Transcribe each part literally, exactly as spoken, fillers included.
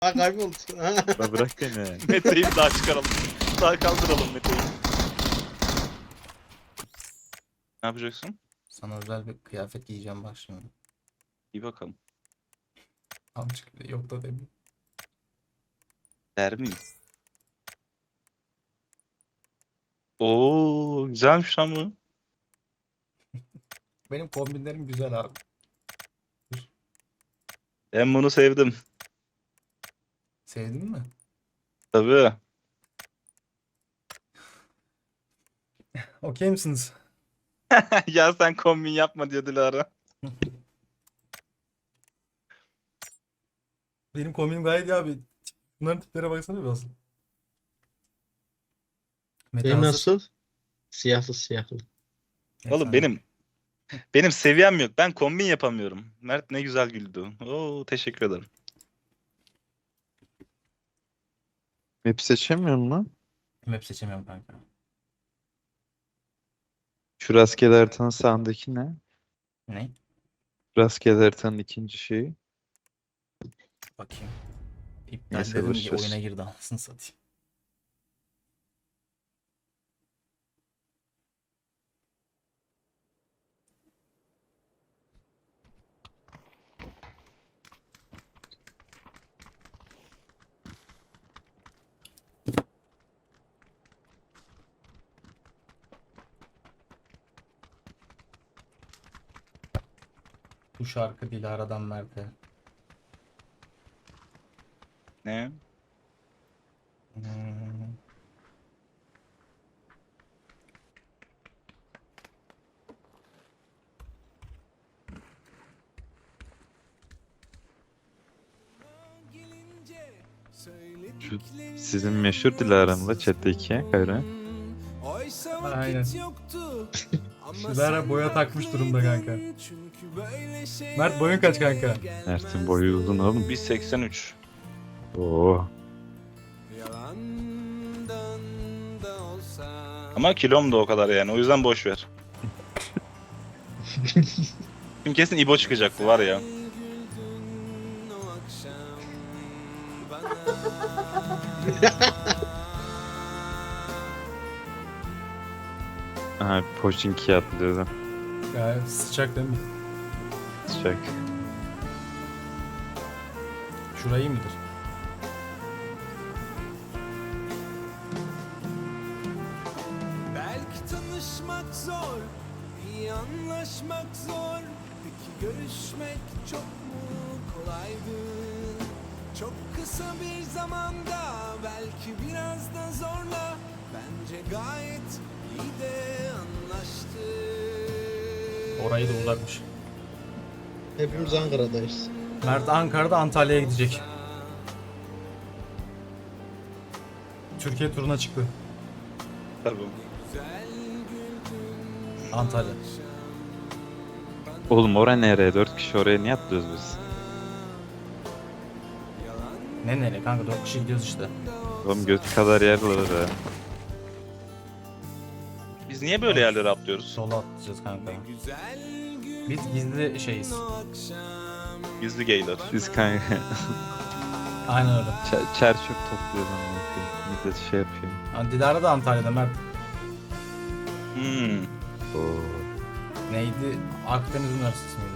Ha kayboldu. La bırak beni. Mete'yi daha çıkaralım. Daha kaldıralım Mete'yi. Ne yapacaksın? Sana özel bir kıyafet giyeceğim bak şimdi. İyi bakalım. Amcık bile yok da demiyorum. Der miyim? Oo, güzelmiş lan bu. Benim kombinlerim güzel abi. Ben bunu sevdim. Sevdin mi? Tabii. Okey misiniz? Ya sen kombin yapma diyor Dilara. Benim kombinim gayet iyi abi. Bunların tiplere baksana biraz. Mete Benim hazır. nasıl? Siyahlı siyahlı. Oğlum Efendim. benim benim seviyem yok. Ben kombin yapamıyorum. Mert ne güzel güldü. Oo, teşekkür ederim. Map seçemiyor musun? Map seçemiyorum kanka. Şu rastgele haritanın sağındaki ne? Ne? Rastgele haritanın ikinci şeyi. Bakayım. İptal Neyse, dedim boş ki ver. oyuna girdi anasını satayım. Bu şarkı Dilara'dan Mert'e. Ne? Hmm. Şu sizin meşhur Dilara'mla chat'teki karı. Aynen. Dilara boya takmış durumda kanka. Mert boyun kaç kanka? Mert'in boyu uzun oğlum. bir seksen üç. Oo. Ama kilom da o kadar yani. O yüzden boş ver. Şimdi kesin İbo çıkacak bu var ya. Aha, Pochinki atlıyordu. Ya sıcak değil mi? Sıcak. Şurayı mıdır? Belki tanışmak zor, iyi anlaşmak zor. Peki görüşmek çok mu kolaydı? Çok kısa bir zamanda, belki biraz da zorla. Bence gayet iyi de anlaştık. Orayı da uzakmış. Hepimiz Ankara'dayız. Mert Ankara'da Antalya'ya gidecek. Türkiye turuna çıktı. Tabii. Antalya. Oğlum oraya nereye? Dört kişi oraya niye atlıyoruz biz? Ne nereye kanka, dört kişi gidiyoruz işte. Oğlum göt kadar yer var ha. Biz niye böyle yerlere atlıyoruz? Sola atlayacağız kanka. Biz gizli şeyiz. Gizli geyler. Biz kanka Aynen öyle. çer, çer çöp topluyoruz ama millet şey yapıyor. Ha, Dilara da Antalya'da Mert. Hmm. Oo. Neydi? Akdeniz Üniversitesi miydi?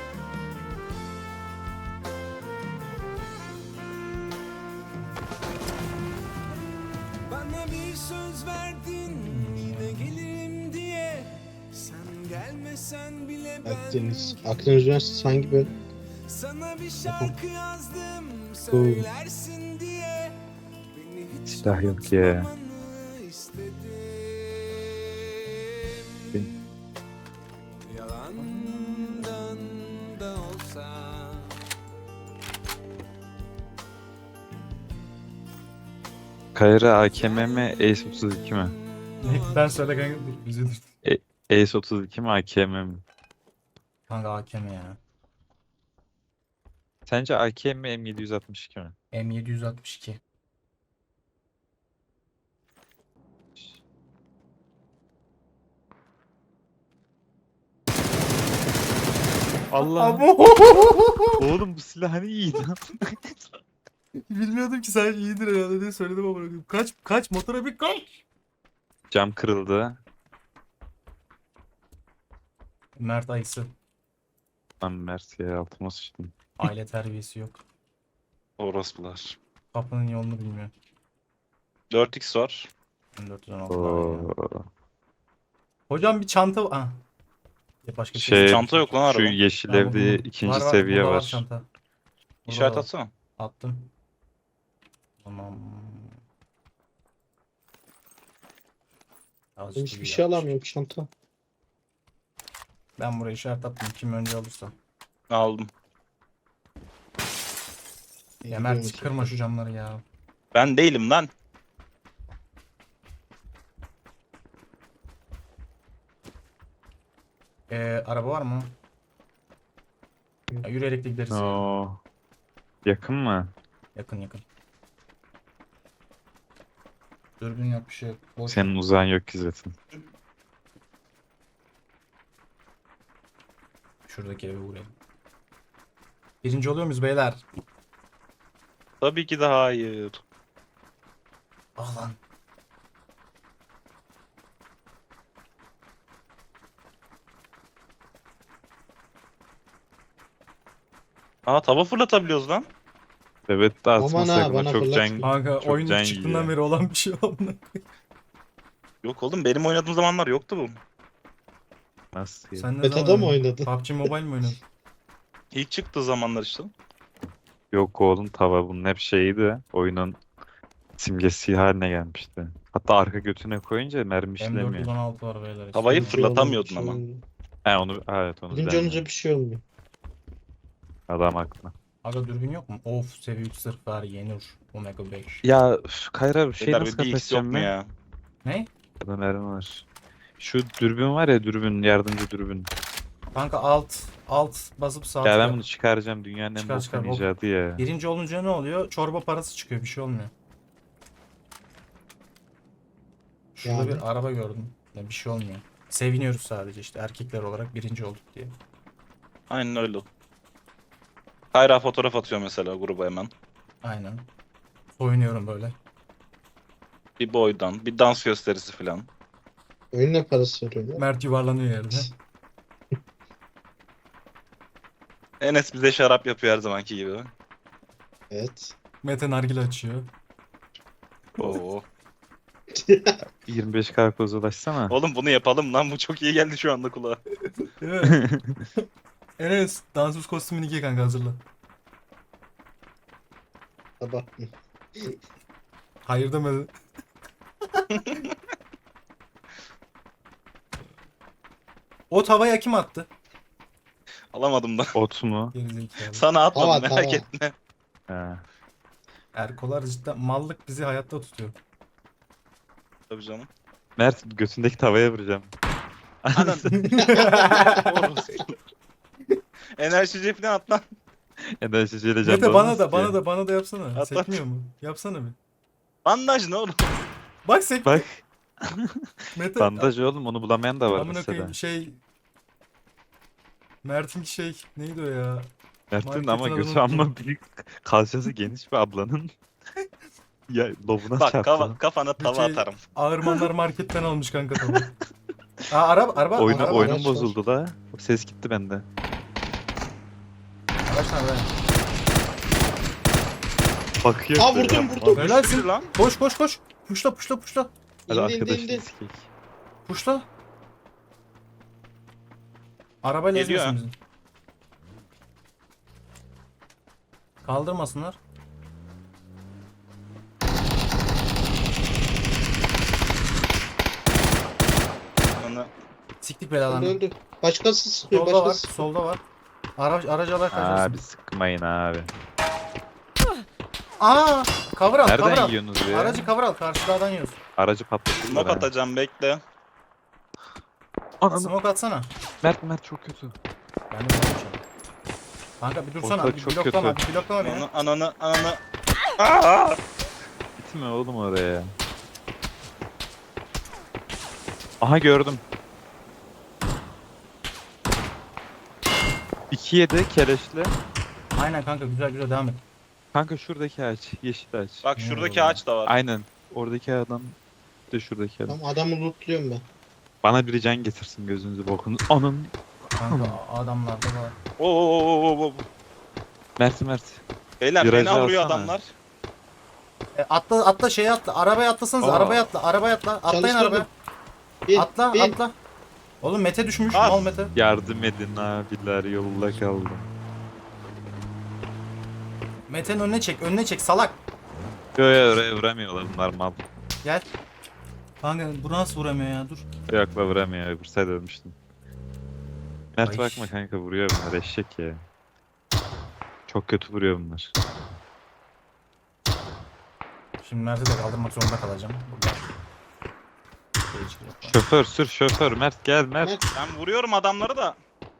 Bana bir söz verdin, yine gelirim diye. Sen gelmesen bile ben Akdeniz. Akdeniz Üniversitesi hangi bölüm? sana bir şarkı yazdım, söylersin diye. Beni hiç Silah yok ya. unutmamanı istedim. Bin- Yalandan da olsa. Kayra A K M mi Ace otuz iki mi? Ben söyle kanka, dur bizi dur. Ace otuz iki mi A K M mi? Kanka A K M ya. Sence A K M mi M yedi yüz altmış iki mi? M yedi altmış iki. Allah. Oğlum bu silah hani iyiydi. Bilmiyordum ki sadece iyidir herhalde diye söyledim ama bırakayım. Kaç kaç motora bir kaç. Cam kırıldı. Mert ayısı. Lan Mert ya altıma sıçtım. Aile terbiyesi yok. Orospular. Kapının yolunu bilmiyor. dört x var. dört yüz on altı var ya. Oo. Hocam bir çanta... Ah. Ya başka Şey, Çanta yok lan Şu araba. yeşil Tamam, evde buldum. ikinci Var, var, seviye burada var. çanta. Burada İşaret var. atsana. Attım. Tamam. Azıcık Hiçbir iyi şey yapmış. alamıyorum çanta. Ben buraya işaret attım. Kim önce alırsa. Aldım. Ya Mert kırma şu camları ya. Ben değilim lan. Ee, araba var mı? Ya, yürüyerek de gideriz ya. Oo. Yakın mı? Yakın yakın. Dürbün yok bir şey yok. Boş. Senin uzağın yok ki zaten. Şuradaki eve uğrayalım. Birinci oluyor muyuz beyler? Tabii ki de hayır. Ah lan. Aa tava fırlatabiliyoruz lan. Evet de Aman atma ha, sakın. bana o Çok fırlat. can... Kanka Çok oyun can ilk çıktığından yiyor. beri olan bir şey amına. Yok oğlum benim oynadığım zamanlar yoktu bu. Nasıl ya? Sen ne Beta'da zaman mı oynadın? oynadın? P U B G Mobile mi oynadın? İlk çıktığı zamanlar işte. Yok oğlum tava bunun hep şeydi. Oyunun simgesi haline gelmişti. Hatta arka götüne koyunca mermi M dört işlemiyor. yüz on altı var beyler. Havayı Birinci fırlatamıyordun olunca- ama. He onu evet onu Birinci ben olunca bir şey olmuyor. adam haklı. Aga dürbün yok mu? Of seviye üç sırf var Yenur. Omega beş. Ya üf, Kayra bir şey Beyler nasıl bir D X yok kapatacağım mu ben? ya? Ne? Ya da mermi var. Şu dürbün var ya dürbün yardımcı dürbün. Kanka alt alt basıp sağ Ya ben tıkla. bunu çıkaracağım dünyanın en Çıkar, çıkar, boktan bok. icadı ya. Birinci olunca ne oluyor? Çorba parası çıkıyor bir şey olmuyor. Şurada Yani. bir araba gördüm. Ya bir şey olmuyor. Seviniyoruz sadece işte erkekler olarak birinci olduk diye. Aynen öyle. Kayra fotoğraf atıyor mesela gruba hemen. Aynen. Oynuyorum böyle. Bir boydan, bir dans gösterisi falan. Oyun ne parası veriyorlar? Mert yuvarlanıyor yerde. Enes bize şarap yapıyor her zamanki gibi. Evet. Mete nargile açıyor. Oo. yirmi beş karpoz ulaşsana. Oğlum bunu yapalım lan bu çok iyi geldi şu anda kulağa. Değil mi? Enes dansöz kostümünü giy kanka hazırla. Abartma. Hayır demedi. O tavaya kim attı? Alamadım da. Ot mu? Gerizekalı. Sana atmadım Tava, merak tava. etme. He. Erkolar cidden mallık bizi hayatta tutuyor. Tabii canım. Mert götündeki tavaya vuracağım. Anan. Enerjici falan at lan. Enerjiciyle can Mete bana da ki. bana da bana da yapsana. At, at. Sekmiyor mu? Yapsana bir. Bandaj ne oğlum? Bak sek. Bak Mete. bandaj oğlum onu bulamayan da var Amına mesela. koyayım şey. Mert'in şey neydi o ya? Mert'in marketin ama adını götü unuttum. amma büyük. Kalçası geniş bir ablanın. Ya lobuna Bak çarptı. kafa, kafana tava şey- atarım. Ağırmanlar marketten almış kanka tabii. Aa araba araba Oyunu, araba. oyunum araç var. bozuldu da. Ses gitti bende. Araç nerede? Bakıyor. Aa, böyle. vurdum, vurdum. Abi, Helalsin. Sür lan. Koş koş koş. Puşla puşla puşla. Hadi İndi indi arkadaşını indi. sikeyim. Puşla. Arabayla Geliyor ezmesin ha. bizi. Kaldırmasınlar. Onu Siktik Öldü belalarını. öldü. Başkası sıkıyor. Solda var, Başkası sıkıyor. solda var. Araç aracı alarak Abi kaçarsın. sıkmayın abi. Aa, cover al, cover Nereden al. yiyorsunuz ya? Aracı cover al, karşı dağdan yiyoruz. Aracı patlatırlar smoke ha. atacağım bekle. Ananı. Smoke atsana. Mert Mert çok kötü. Ben de yapacağım. Kanka bir dursana, Ortalık bir çok bloklama, kötü. bir bloklama beni. Ananı ananı ananı. Aa! Gitme oğlum oraya. Aha gördüm. iki yedi keleşli. Aynen kanka güzel güzel devam et. Kanka şuradaki ağaç. Yeşil ağaç. Bak Ne şuradaki oldu? ağaç da var. Aynen. Oradaki adam. Bir de şuradaki adam. Tamam adamı lootluyorum ben. Bana biri can getirsin gözünüzü bokunu. Onun. Kanka adamlarda var. Oo, oo, oo, oo, oo. Mert Mert. Beyler Virajı fena vuruyor alsana. adamlar. E, atla atla şeye atla. Arabaya atlasanız. Aa. Arabaya atla. Arabaya atla. Atlayın Çalıştırdım. arabaya. Bin, Atla bin. atla. Oğlum Mete düşmüş. Bas. Mal Mete. Yardım edin abiler yolda kaldım. Mete'nin önüne çek. Önüne çek salak. Yo yo oraya vuramıyorlar bunlar mal. Gel. Kanka bu nasıl vuramıyor ya? Dur. Yok la vuramıyor öbür sayede ölmüştüm. Mert Ay. bakma kanka vuruyor bunlar eşek ya. Çok kötü vuruyor bunlar. Şimdi Mert'i de kaldırmak zorunda kalacağım. Burada. Geçir yapalım. Şoför sür şoför Mert gel Mert. Mert. Ben vuruyorum adamları da.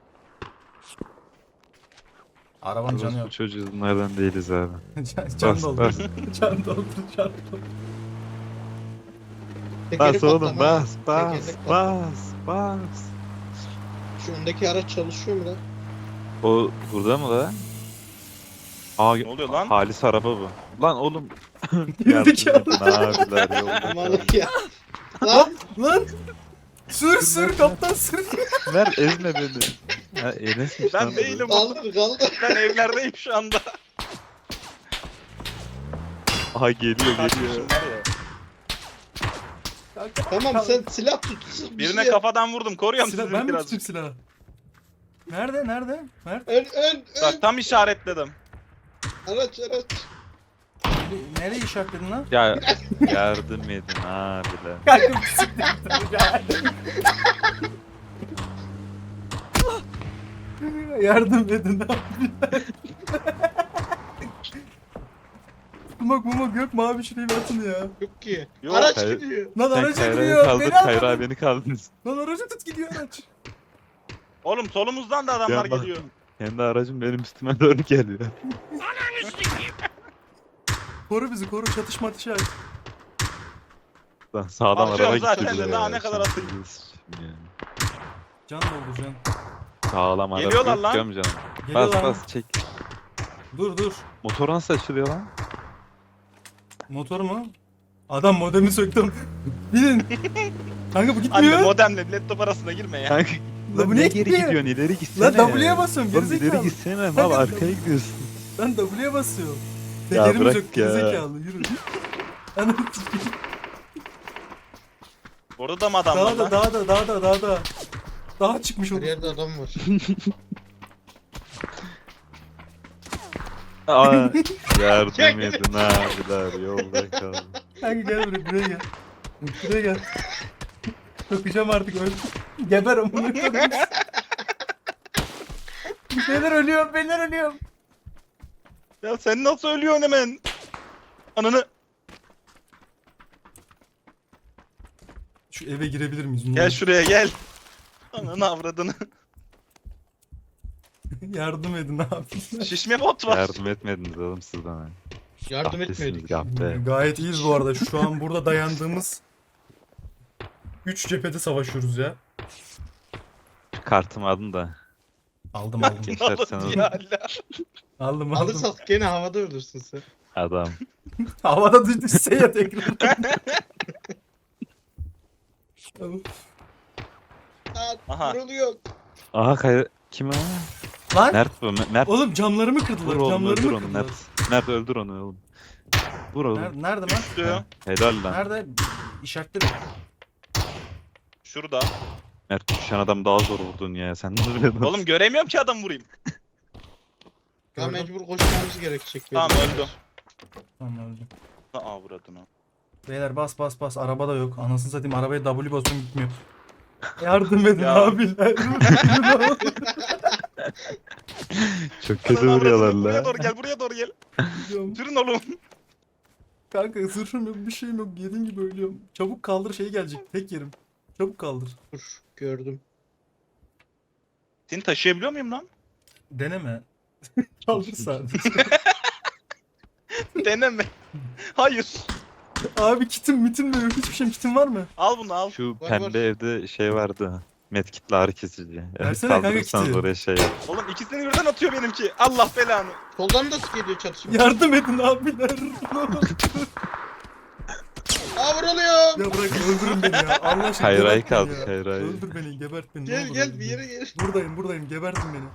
Arabanın canı yok. Bu çocuğu bunlardan değiliz abi. can, can Bas, doldur. bas. can doldur. Can doldur. Tekeri Bas oğlum patlama. bas bas Tekerlek patlama. bas bas. Şu öndeki araç çalışıyor mu lan? O burada mı la? Aa, Ne oluyor lan? Halis araba bu. Lan oğlum. Gerizekalı. Yardım edin abiler yolda kaldım. Malık ya. Lan Lan! Sür sür kaptan sür. Ver ezme beni. Ha, Enes'miş Ben lan bu. değilim. kaldır kaldır. Ben evlerdeyim şu anda. Aha geliyor geliyor. Kaçmışım var ya. Tamam sen silah tut. bir Birine şey yap. kafadan vurdum. Koruyorum Silah, sizi ben mi biraz. tutayım silahı? Nerede nerede? Mert? Ön ön ön. Bak tam işaretledim. Araç araç. Nereye, nereye işaretledin lan? Ya yardım edin abiler. Kanka bisiklet. Yardım edin abi. Mumak mumak yok mu abi şurayı bir atın ya. Yok ki. Yok. Araç Hayır. gidiyor. Lan Sen aracı Kayra'yı gidiyor. kaldır Beni Kayra al. beni kaldınız. Lan aracı tut gidiyor araç. Oğlum solumuzdan da adamlar Ya bak. geliyor. Kendi aracım benim üstüme doğru geliyor. Koru bizi koru çatışma atışı aç. Lan sağdan Atıyorum araba zaten gitti de, bile daha ya. ne kadar atayım? Şimdi yani. Can doldu can. Sağlam araba Geliyorlar yok lan. diyorum canım. Geliyor Bas lan. bas çek. Dur dur. Motor nasıl açılıyor lan? Motor mu? Adam modemi söktüm. Binin. Kanka bu Anne gitmiyor. modemle laptop arasına girme ya. Kanka. Lan bu ne niye geri gitmiyor? gidiyorsun ileri gitsene. Lan W'ye basıyorum Oğlum ileri gerizekalı. gitsene mal Kanka, arkaya gidiyorsun. Ben W'ye basıyorum. Ya Tekerimi bırak sök ya. gerizekalı yürü. Anam Orada da mı adam var daha da lan? daha da daha da daha da. Daha çıkmış Her olur. yerde adam var. Aa, yardım edin abiler yolda kaldım. Kanka gel buraya buraya gel. Buraya gel. Sokacağım artık öl. Geber amına koyayım. Beyler ölüyorum beyler ölüyorum. Ya sen nasıl ölüyorsun hemen? Ananı. Şu eve girebilir miyiz? Ne Gel olur? şuraya gel. Ananı avradını. Yardım edin abi. Şişme bot var. Yardım etmediniz oğlum siz bana. Yardım Kahpesiniz, etmiyorduk. kahpe. Gayet iyiyiz bu arada. Şu an burada dayandığımız üç cephede savaşıyoruz ya. Kartımı alın da. Aldım aldım. Gençler sen Alın alın. ya Allah. Aldım aldım. Alırsak gene havada ölürsün sen. Adam. Havada düşse ya tekrar. Aa, Aha. vuruluyor. Aha kay... Kim o? Lan Mert bu. Me- Mert. oğlum camlarımı Vur kırdılar. oğlum Camlarımı öldür onu kırdılar. Mert. Mert öldür onu oğlum. Vur oğlum. Nerede, nerede lan? Diyor. Helal lan. Nerede? İşaretleri. Şurada. Mert düşen adam daha zor vurdun ya. Sen ne vuruyorsun? Oğlum göremiyorum ki adam vurayım. Ya Gördüm. mecbur koşmamız gerekecek. Tamam benim. öldü. Tamam öldü. Avradını. Beyler bas bas bas. Araba da yok. Anasını satayım arabaya W basıyorum gitmiyor. Yardım edin Ya. abiler. Çok kötü Ananı vuruyorlar avradını. Buraya la. doğru gel buraya doğru gel. Gidiyorum. Sürün oğlum. Kanka zırhım yok bir şeyim yok. Yediğin gibi ölüyorum. Çabuk kaldır şey gelecek. Tek yerim. Çabuk kaldır. Dur gördüm. Seni taşıyabiliyor muyum lan? Deneme. Kaldır sadece. Deneme. Hayır. Abi kitim mitim de yok. Hiçbir şeyim kitim var mı? Al bunu al. Şu Var, pembe var. evde şey vardı. Medkit'le ağrı kesici. Evet, Versene kanka kaldırırsanız kiti. oraya şey yap. Oğlum ikisini birden atıyor benimki. Allah belanı. Soldan da geliyor çatışma. Yardım edin abiler. Aa vuruluyor. Ya bırak öldürün beni ya. Allah aşkına Hayır, gebert ay beni kaldı, ya. hayır, ay. Öldür beni, gebert beni. ne Gel olur gel öldür bir beni. yere gel. Buradayım buradayım, gebertin beni.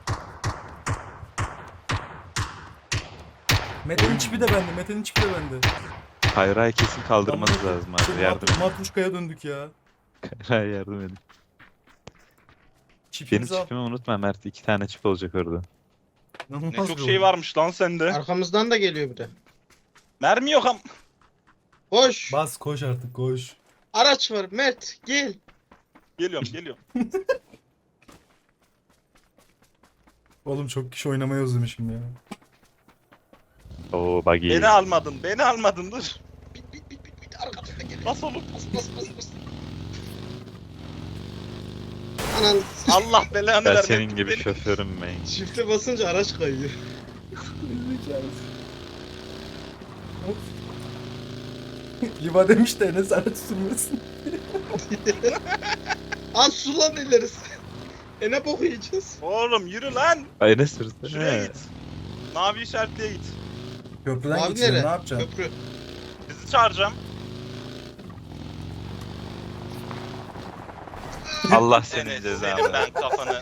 Mete'nin çipi de bende, Mete'nin çipi de bende. Hayır hayır kesin kaldırmanız Tamam, lazım şey, abi. Yardım edin. Matruşka'ya döndük ya. Hayır yardım edin. Benim Çipimizi al. çipimi unutma Mert. İki tane çip olacak orada. İnanılmaz Ne çok bir şey oyun. varmış lan sende. Arkamızdan da geliyor bir de. Mermi yok am. Koş. Bas koş artık koş. Araç var Mert gel. Geliyorum geliyorum. Oğlum çok kişi oynamayı özlemişim ya. Oo buggy. Beni almadın beni almadın dur. Bit bit bit bit bit arkamızdan geliyor. Bas oğlum. Bas bas bas bas. Anan Allah belanı Ben vermesin. senin gibi Beni- şoförüm ben. çifte basınca araç kayıyor. Yuva demiş de Enes araç sürmesin. Aa su lan ilerisi. E ne bok yiyeceğiz? Oğlum yürü lan. Ay ne sürdü? Şuraya git. Mavi işaretliğe git. Köprüden Abi geçiyor, nere? ne yapacaksın? Köprü. Bizi çağıracağım. Allah senin Enes, cezanı. senin ben kafanı.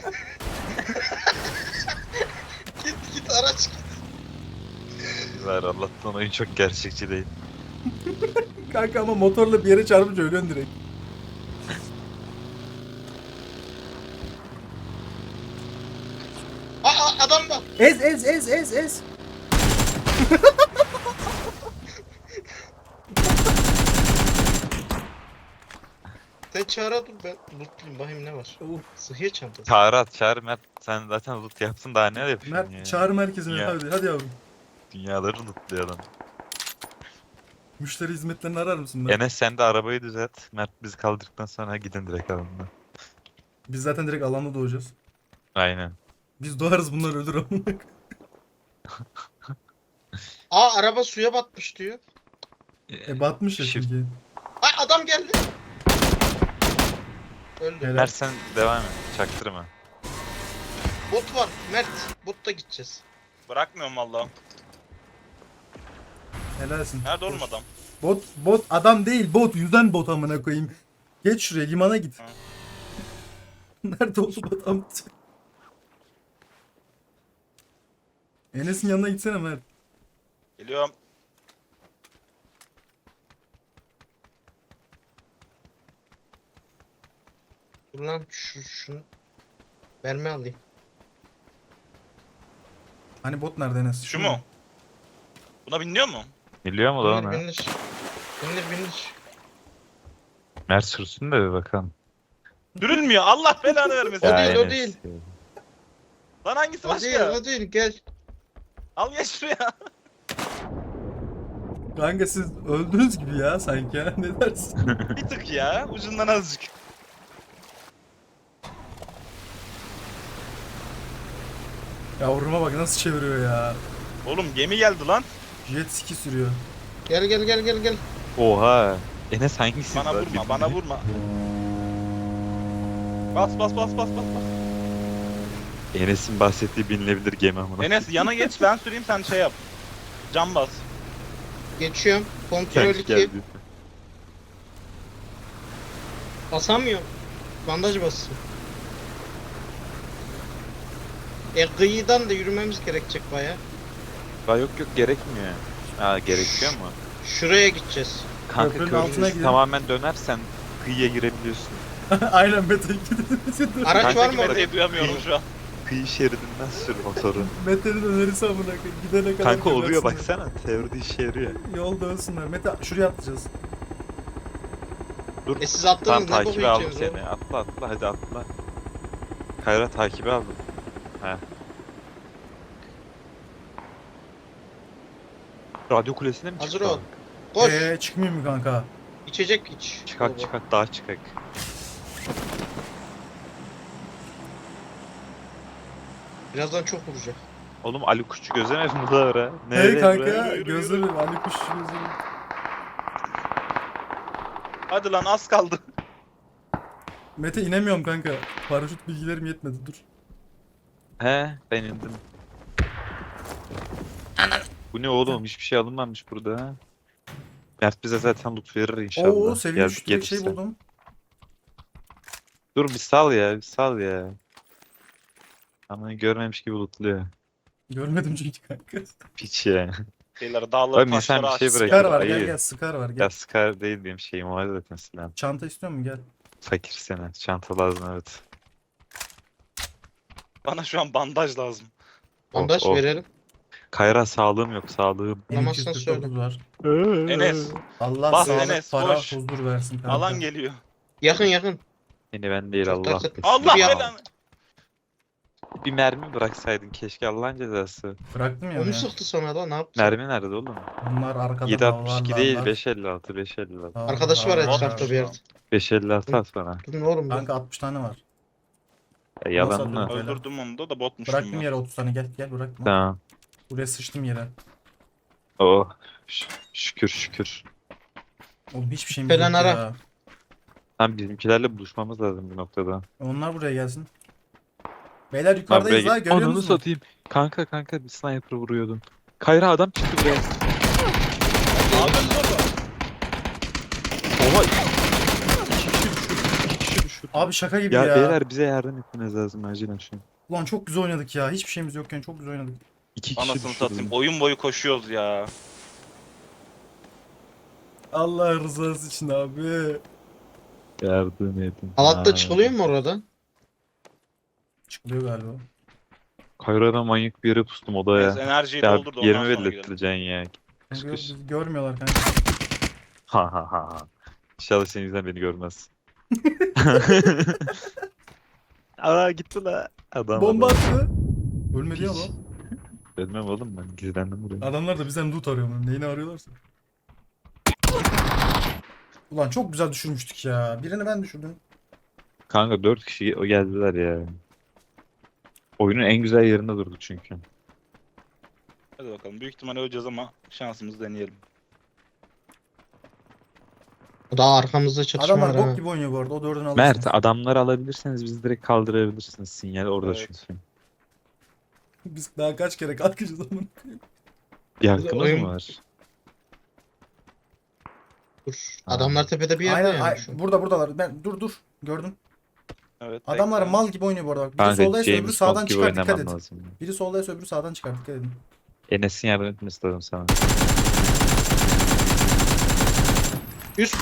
Git git araç git. Ver Allah'tan oyun çok gerçekçi değil. Kanka ama motorla bir yere çarpınca ölüyorsun direkt. Aa, aa adam var. Ez ez ez ez ez. Sen çağıra dur ben lootlayayım bakayım ne var. Sıhhiye çantası. Çağrı at çağır Mert. Sen zaten loot yaptın daha ne yapıyorsun ya? Mert çağrı merkezine Ya. hadi hadi yavrum. Dünyaları lootluyor adam. Müşteri hizmetlerini arar mısın Mert? Enes sen de arabayı düzelt. Mert bizi kaldırdıktan sonra gidin direkt alanda. Biz zaten direkt alanda doğacağız. Aynen. Biz doğarız bunlar ölür ama. Aa araba suya batmış diyor. E batmış ya Shift- çünkü. Ay adam geldi. Öldü. Helal. Mert sen devam et. Çaktırma. Bot var Mert. Bot'ta gideceğiz. Bırakmıyorum valla. Helalsin. Nerede oğlum adam? Bot bot adam değil bot yüzen bot amına koyayım. Geç şuraya limana git. Ha. Nerede oğlum adam? Enes'in yanına gitsene Mert. Geliyorum. Dur lan şu şunu. Verme alayım. Hani bot nerede Enes? Şu mu? Buna biniyor mu? Biliyor mu lan Binir ona? binir. Binir binir. Mert sürsün de bir bakalım. Sürülmüyor. Allah belanı vermesin. O değil, o Enes değil. ya. Lan hangisi O değil başka? o değil gel. Al geç şuraya. Kanka siz öldünüz gibi ya sanki ya. Ne dersin? Bir tık ya. Ucundan azıcık. Yavruma bak nasıl çeviriyor ya. Oğlum gemi geldi lan. Jet ski sürüyor. Gel gel gel gel gel. Oha. Enes hangisi? Bana lan? vurma, Bir- bana vurma. Bas bas bas bas bas. bas. Enes'in bahsettiği binilebilir gemi amına. Enes yana geç ben süreyim sen şey yap. Cam bas. Geçiyorum. Kontrol Genç iki. geldi. Basamıyorum. Bandaj basıyor. E kıyıdan da yürümemiz gerekecek baya. Aa, yok yok gerekmiyor. Aa gerekiyor mu? Şuraya gideceğiz. Kanka Köprünün altına köprünün gidelim. tamamen dönersen kıyıya girebiliyorsun. Aynen Mete gidelim. Araç var Kankaki mı orada? Mete'yi duyamıyorum şu an. Kıyı şeridinden sür motoru. Mete'nin önerisi amına koyayım. Gidene kadar Kanka oluyor gebersinler. baksana. Teoride işe yarıyor. Yolda ölsünler. Mete şuraya atlayacağız. Dur. E siz Tam attınız ne takibe aldım bakıyorsunuz seni. Atla atla hadi atla. Kayra takibe aldım. He. Radyo kulesine mi Hazır çıktı? ol. Koş. Eee çıkmayayım mı kanka? İçecek iç. Çıkak çıkak daha çıkak. Birazdan çok vuracak. Oğlum Ali Kuşçu gözlemez mi da ara? Hey kanka buraya? gözlerim Ali kuş gözlerim. Hadi lan az kaldı. Mete inemiyorum kanka. Paraşüt bilgilerim yetmedi dur. He ben indim. Bu ne oğlum? Hiçbir şey alınmamış burada. Ha. Mert bize zaten loot verir inşallah. Oo seviye Geldik üç direkt şey gelirse. buldum. Dur bir sal ya, bir sal ya. Ama görmemiş gibi lootluyor. Görmedim çünkü kanka. Piç ya. Beyler dağları Oğlum insan taşları bir şey açsın. bırakıyor. Scar var gel ayı. gel Scar var Ya gel. Scar değil benim şeyim var zaten silah. Çanta istiyor musun gel. Fakir sene. Çanta lazım evet. Bana şu an bandaj lazım. Bandaj oh. verelim. Kayra sağlığım yok sağlığım. Bulamazsan M iki yüz kırk dokuz var. Enes. Allah Bas sağlık Enes, para koş. huzur versin kanka. Alan geliyor. Yakın yakın. Yine ben değil Çok Allah. takıt- korusun. Allah Bir- belanı. Bir mermi bıraksaydın keşke Allah'ın cezası. Bıraktım ya. Onu ya. sıktı sonra da ne yaptı? Mermi nerede oğlum? Bunlar arkada yedi altmış iki davarlarlar. değil beş elli altı beş elli altı. Arkadaşı var Davarlar. etrafta bir yerde. beş elli altı at bana. Dur ne oğlum bu? Kanka altmış tane var. Ya, yalan Nasıl mı? Öyle. Öldürdüm onu da da botmuş Bıraktım bunlar. yere otuz tane gel gel bırakma. Tamam. Buraya sıçtım yere. Oh. Ş- şükür şükür. Oğlum hiçbir şeyimiz Falan yok ara. ya. Tam bizimkilerle buluşmamız lazım bir noktada. Onlar buraya gelsin. Beyler Lan yukarıdayız buraya ha gel- görüyor Ananı musun? satayım. Kanka kanka bir sniper vuruyordum. Kayra adam çıktı buraya. Ne yapıyorsun orada? Oha. İki kişi düşürdüm. İki kişi düşürdüm. Abi şaka gibi Ya, ya. beyler bize yardım etmeniz lazım acilen şu an. Ulan çok güzel oynadık ya. Hiçbir şeyimiz yokken çok güzel oynadık. İki kişi Anasını düşürdüm. satayım. Oyun boyu koşuyoruz ya. Allah rızası için abi. Yardım edin. Alatta Ha. çıkılıyor mu oradan? Çıkılıyor galiba. Kayra'da manyak bir yere pustum odaya. Neyse, enerjiyi Ya doldur da ondan yerimi sonra gidelim. belirtileceksin ya. Kış Çünkü kış. bizi görmüyorlar kanka. Ha ha ha. ha. İnşallah senin yüzünden beni görmez. Aa gitti la. Adam Bomba adam. attı. Ölmedi ya Hiç. lan. Ölmem oğlum ben gizlendim buraya. Adamlar da bizden loot arıyor mu? Neyini arıyorlarsa. Ulan çok güzel düşürmüştük ya. Birini ben düşürdüm. Kanka dört kişi o geldiler ya. Oyunun en güzel yerinde durduk çünkü. Hadi bakalım. Büyük ihtimalle öleceğiz ama şansımızı deneyelim. Daha arkamızda çatışma Adamlar var bok ha. gibi oynuyor bu arada. O dördünü alırsınız. Mert adamları alabilirseniz bizi direkt kaldırabilirsiniz. Sinyal orada Evet. çünkü. Biz daha kaç kere kalkacağız onun. Bir hakkımız oyun- mı var? Dur. Ha. Adamlar tepede bir yerde Aynen yani ay- şu an. burada buradalar. Ben dur dur. Gördüm. Evet. Adamlar bekle. mal gibi oynuyor bu arada. Bak. Biri Kanka soldaysa öbürü James sağdan Bond gibi çıkar dikkat oynamam et. lazım. Biri soldaysa öbürü sağdan çıkar dikkat edin. Enes'in yardım etmesi lazım sana. Üst.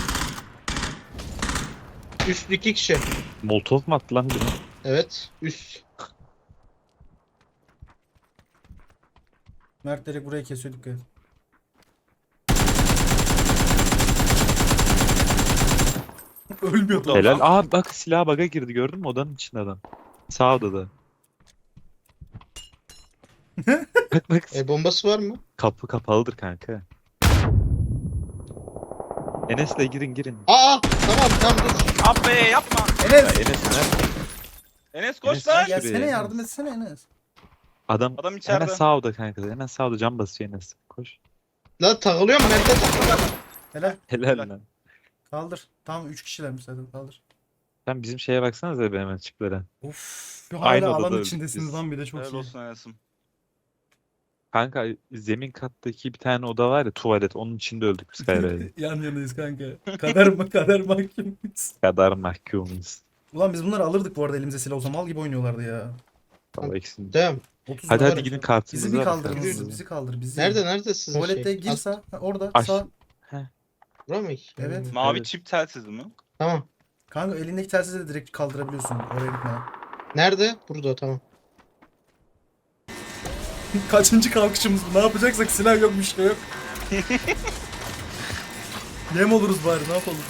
Üst iki kişi. Molotov mu attı lan biri? Evet. Üst. Mert direkt burayı kesiyor dikkat et. Ölmüyordu. Helal. Aa bak silah baga girdi gördün mü odanın içinde adam. Sağ odada. Bak bak E bombası var mı? kapı kapalıdır kanka. Enes'le girin girin. Aa tamam tamam dur. Abi yapma. Ya Enes! Enes ne? Enes koş Enes lan. gel. Gelsene yardım etsene Enes. Adam, Adam içeride. hemen sağ oda kanka. Hemen sağ oda cam basıyor Enes. Koş. Lan takılıyor mu? Mert'e takılıyor. Helal. Helal Helal. lan. Kaldır. Tamam üç kişilermiş zaten kaldır. Sen bizim şeye baksanıza be hemen çıklara. Of. Aynı Hala odada alan öldük içindesiniz biz. lan bir de çok Helal iyi. olsun Enes'im. Kanka zemin kattaki bir tane oda var ya tuvalet onun içinde öldük biz Kayra'yla. Yan yanayız kanka. Kader mi kader mahkumuyuz. Kadar mahkumuz. Ulan biz bunları alırdık bu arada elimize silah olsa mal gibi oynuyorlardı ya. Valla ikisini. Devam. otuz Hadi var hadi ya. gidin kartınızı Bizi bir alın, kaldırın. kartınızı. Bizi, bizi kaldır. Bizi. Nerede nerede sizin Tuvalette şey? gir Az- sağ. Ha, orada Aş- sağ. Bura mı? Evet. Mavi Evet. çip telsizi mi? Tamam. Kanka elindeki telsizi de direkt kaldırabiliyorsun. Oraya gitmeden. Nerede? Burada tamam. Kaçıncı kalkışımız bu? Ne yapacaksak silah yok bir şey yok. Yem oluruz bari ne yapalım.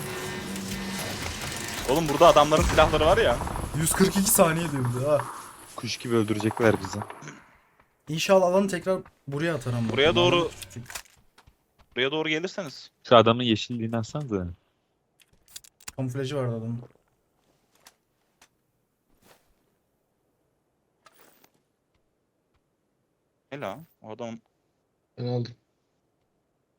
Oğlum burada adamların silahları var ya. yüz kırk iki saniye diyor bir de ha. Kuş gibi öldürecekler bizi. İnşallah alanı tekrar buraya atar ama. Buraya doğru- Alan küçük. Buraya doğru gelirseniz. Şu adamın yeşilliğini alsanıza. Kamuflajı vardı adamın. Ne la? O adam Ben aldım.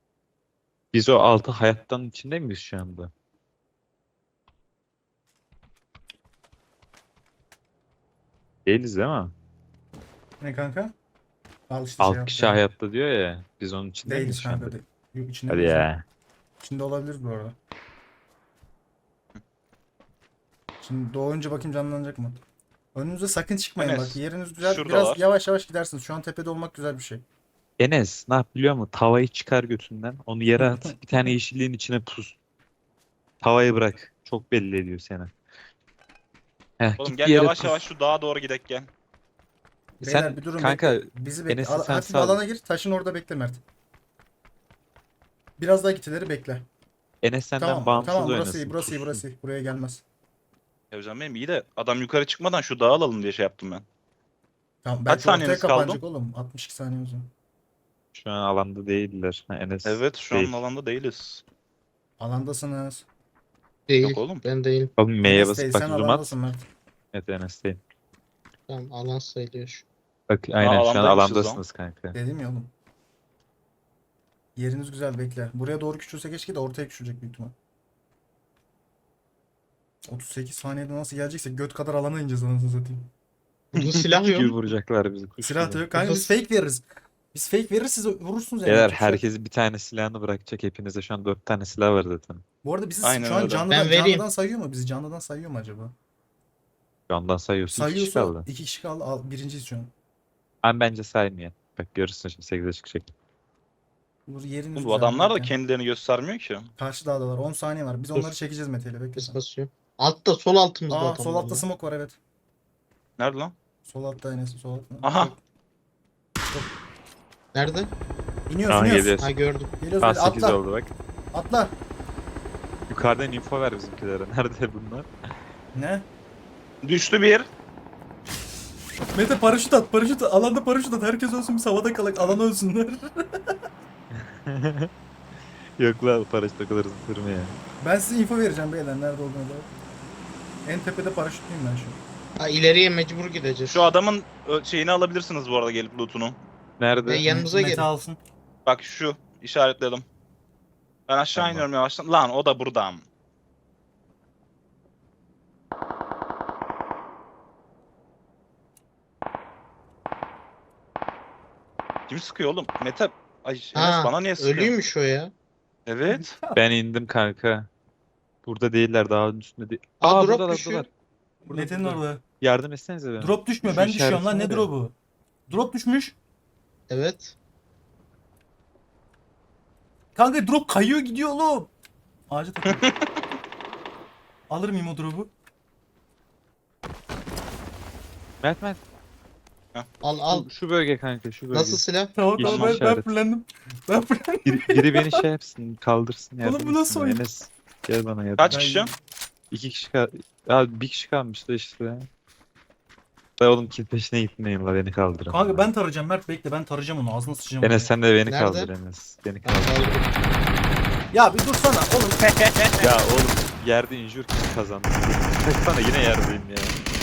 Biz o altı hayattan içinde miyiz şu anda? Değiliz değil mi? Ne kanka? Al işte şey Alt yaptı kişi yani. hayatta diyor ya. Biz onun içinde miyiz Değiliz şu anda? kanka. Değil. Yok, içinde Hadi değiliz. ya. İçinde olabiliriz bu arada. Şimdi doğunca bakayım canlanacak mı? Önünüze sakın çıkmayın Enes, bak. Yeriniz güzel. şuradalar. Biraz yavaş yavaş gidersiniz. Şu an tepede olmak güzel bir şey. Enes ne yap biliyor musun? Tavayı çıkar götünden. Onu yere at. Bir tane yeşilliğin içine pus. Tavayı bırak. Çok belli ediyor seni. Heh, Oğlum git gel bir yere yavaş pus. yavaş şu dağa doğru gidek gel. Beyler Sen bir durun kanka bekle. Bizi bekle. Enes'i Al, sen hafif sal. alana gir. Taşın orada bekle Mert. Biraz daha gitileri bekle. Enes senden Tamam bağımsız tamam burası oynasın. iyi burası iyi pussun. burası iyi. Buraya gelmez. Ya hocam benim iyi de adam yukarı çıkmadan şu dağı alalım diye şey yaptım ben. Tamam belki ortaya saniyeniz kaldı? kapanacak oğlum. altmış iki saniyemiz var. Şu an alanda değiller. Ha, Enes Evet şu değil. an alanda değiliz. Alandasınız. Değil. Yok oğlum. Ben değilim. Oğlum M'ye Enes basıp değil, bak sen zoom at. alandasın Mert. Evet Enes değil. Tamam alan sayılıyor şu. Bak aynen şu an alandaymışız lan. alandasınız kanka. Dedim ya oğlum. Yeriniz güzel bekle. Buraya doğru küçülse keşke de ortaya küçülecek büyük ihtimal. otuz sekiz saniyede nasıl gelecekse göt kadar alana ineceğiz anasını satayım. Burada silah Kuş gibi yok. vuracaklar bizi. Kuş Silah da gibi. yok. Kanka biz fake veririz. Biz fake veririz siz vurursunuz yani. Beyler Yapacak bir şey yok. herkes bir tane silahını bırakacak. Hepinizde şu an dört tane silah var zaten. Bu arada bizi Aynen şu an öyle. canlıdan, Ben vereyim. canlıdan sayıyor mu? Bizi canlıdan sayıyor mu acaba? Şu andan sayıyorsun. İki kişi Sayıyorsa kaldı. iki kişi kaldı. Al, birinciyiz şu an. Ben bence saymayın. Bak görürsün şimdi sekize çıkacak. Bu yeriniz Oğlum bu güzel, adamlar da bekle. kendilerini göstermiyor ki. Karşı dağda var. on saniye var. Biz Dur. onları çekeceğiz Mete ile. Bekle Biz sen. basıyor. Altta sol altımızda Aa adamlar sol altta var. smoke var evet. Nerede lan? Sol altta Enes sol altta. Aha. Nerede? İniyoruz Aa iniyoruz. geliyoruz. Ha gördüm. Geliyoruz Aa böyle sekiz atla. oldu bak. Atla. Yukarıdan info ver bizimkilere. Nerede bunlar? Ne? Düştü bir. Mete paraşüt at paraşüt at. Alanda paraşüt at. Herkes ölsün biz havada kalak. Alan ölsünler. Yok lan paraşüt o kadar zıtırma ya. Ben size info vereceğim beyler. Nerede olduğunu da. En tepede paraşütlüyüm ben şu an. Ha ileriye mecbur gideceğiz. Şu adamın ö, şeyini alabilirsiniz bu arada gelip lootunu. Nerede? Ve yanımıza Mete gelin. alsın. Bak şu işaretledim. Ben aşağı Tamam. iniyorum yavaştan. Lan o da buradan. Kim sıkıyor oğlum? Mete. Ay Enes Ha, bana niye sıkıyor? ölüymüş o ya. Evet. Ben indim kanka. Burada değiller daha üstünde değil. Aa, drop buradalar, düşüyor. buradalar. Burada, Mete'nin burada. orada. Yardım etsenize bana. Drop düşmüyor. Şu Ben düşüyorum lan. işaretim Ne var ya. drop'u? Drop düşmüş. Evet. Kanka drop kayıyor gidiyor oğlum. Ağaca takılıyor. Alır mıyım o drop'u? Mert Mert. Al al. Şu, şu bölge kanka şu bölge. Nasıl silah? Tamam Yeşil tamam ben, ben işaret. fullendim. Ben fullendim. Biri, biri beni şey yapsın kaldırsın Oğlum yardım bu nasıl etsin. oyun? Enes gel bana yardım. Kaç Ben- kişi? İki kişi kal... Ya bir kişi kalmıştı işte. Da oğlum kill peşine gitmeyin la beni kaldırın. Kanka ben tarayacağım Mert bekle ben tarayacağım onu ağzına sıçacağım. Enes oraya. sen de beni Nerede? kaldır Enes. Beni kaldır. Ya bir dursana oğlum. Ya oğlum yerde injur kim kazandı? Sana yine yerdeyim ya.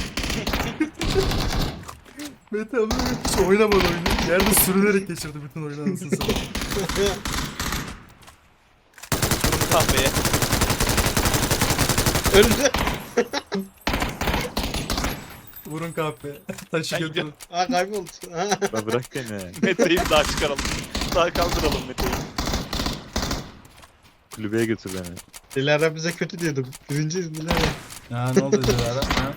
Mete abi hiç oynamadı oyunu. Yerde sürünerek geçirdi bütün oyunu anasını satayım. Kahveye. Öldü. Vurun kahpe. Taşı Ben götürün. gidiyorum. Ha kayboldu. Ha. La bırak beni. Mete'yi bir daha çıkaralım. Daha kaldıralım Mete'yi. Kulübeye götür beni. Dilara bize kötü diyordum. Birinciyiz Dilara. Ya ne oldu Dilara? Ha?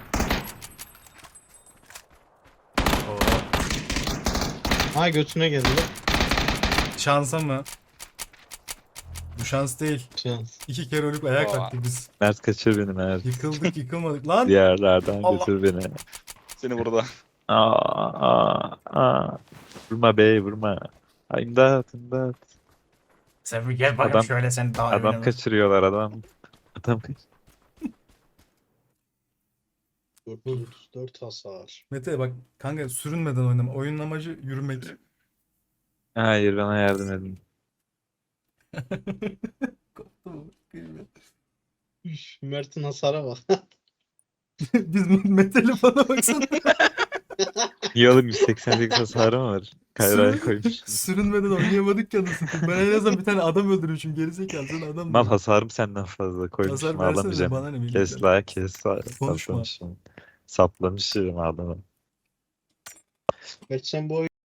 Ha götüne geldi. lan. Şansa mı? Bu şans değil. Şans. İki kere ölüp ayağa Aa. kalktık biz. Mert kaçır beni Mert. Yıkıldık yıkılmadık. Lan! Diğerlerden Allah. götür beni. Seni burada. Aa, aa, aa. Vurma bey vurma. Ay, imdat imdat. Sen bir gel bakayım Adam- şöyle sen daha Adam oynayalım. kaçırıyorlar adam. Adam kaç. dört yüz otuz dört hasar. Mete bak kanka sürünmeden oynama. Oyunun amacı yürümek. Hayır bana yardım edin. Üf, Mert'in hasara bak. Biz Mete'li bana baksana. Niye oğlum yüz seksen sekiz hasarı mı var? Kayra'ya koymuş. Sürünmeden oynayamadık ya anasını satayım. Ben en azından bir tane adam öldürmüşüm. Gerizekalı sen adam Mal mı? hasarım senden fazla koymuşum Hasar versene alamayacağım. bana ne bileyim. Kes la kes la. Konuşma. Saplamışım. Saplamışım adamı. Kaç sen bu oyunu